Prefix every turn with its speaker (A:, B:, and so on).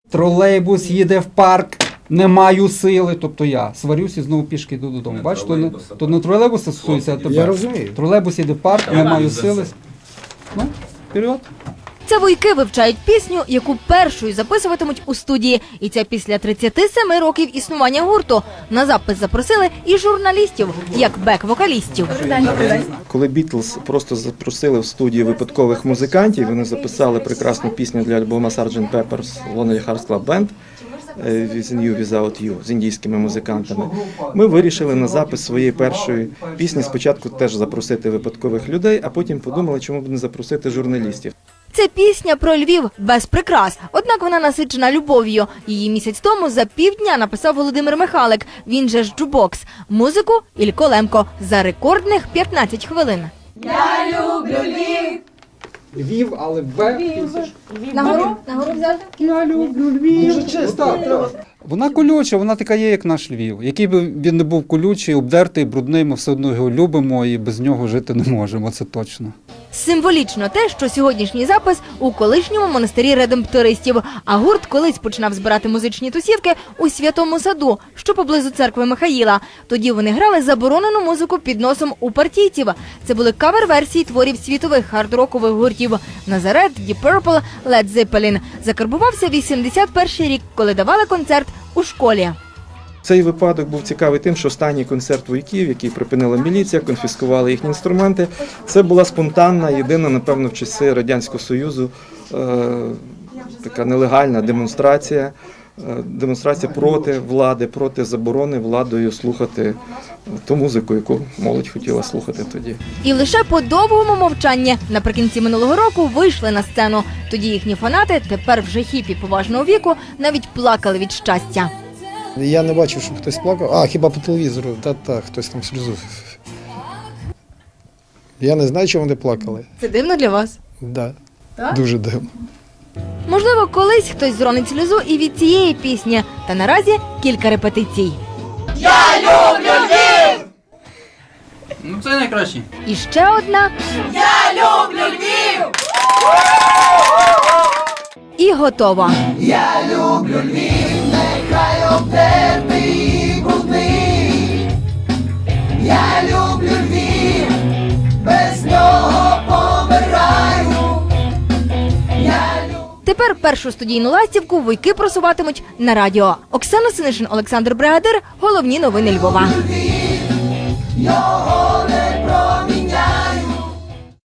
A: Тролейбус їде в парк, не маю сили. Тобто я сварюсь і знову пішки йду додому. Бачиш, то не тролейбуса стосується, а тебе.
B: Я розумію.
A: Тролейбус їде в парк, не маю сили. Ну, вперед.
C: Це вуйки вивчають пісню, яку першою записуватимуть у студії. І це після 37 років існування гурту. На запис запросили і журналістів, як бек-вокалістів.
D: Коли Бітлз просто запросили в студію випадкових музикантів, вони записали прекрасну пісню для альбома Sgt. Pepper's Lonely Hearts Club Band «With You, Without You» з індійськими музикантами. Ми вирішили на запис своєї першої пісні спочатку теж запросити випадкових людей, а потім подумали, чому б не запросити журналістів.
C: Це пісня про Львів без прикрас, однак вона насичена любов'ю. Її місяць тому за півдня написав Володимир Михалик, він же ж Джубокс. Музику – Ілько Лемко за рекордних 15 хвилин.
E: Я люблю Львів.
A: Львів, але Б.
C: Нагору взяти?
A: Я люблю Львів. Дуже чисто. Вона колюча, вона така є, як наш Львів. Який би він не був колючий, обдертий, брудний, ми все одно його любимо і без нього жити не можемо, це точно.
C: Символічно те, що сьогоднішній запис у колишньому монастирі редемптористів, а гурт колись починав збирати музичні тусівки у Святому Саду, що поблизу церкви Михаїла. Тоді вони грали заборонену музику під носом у партійців. Це були кавер-версії творів світових хард-рокових гуртів «Назарет», «Deep Purple», «Led Zeppelin». Закарбувався 81-й рік, коли давали концерт у школі.
D: Цей випадок був цікавий тим, що останній концерт вуйків, який припинила міліція, конфіскували їхні інструменти, це була спонтанна, єдина, напевно, в часи Радянського Союзу така нелегальна демонстрація проти влади, проти заборони владою слухати ту музику, яку молодь хотіла слухати тоді.
C: І лише по довгому мовчанні наприкінці минулого року вийшли на сцену. Тоді їхні фанати, тепер вже хіпі поважного віку, навіть плакали від щастя.
B: Я не бачив, щоб хтось плакав. А, хіба по телевізору, та, хтось там сльозу. Я не знаю, чому вони плакали.
C: Це дивно для вас?
B: Да. Дуже дивно.
C: Можливо, колись хтось зронить сльозу і від цієї пісні. Та наразі кілька репетицій.
E: Я люблю Львів.
F: Ну це найкраще.
C: І ще одна.
E: Я люблю Львів.
C: І готова.
E: Я люблю Львів, нехай обдертий і брудний. Я люблю Львів, без нього помираю.
C: Тепер першу студійну ластівку вуйки просуватимуть на радіо. Оксана Синишин, Олександр Бригадир. Головні новини Львова.
E: Його не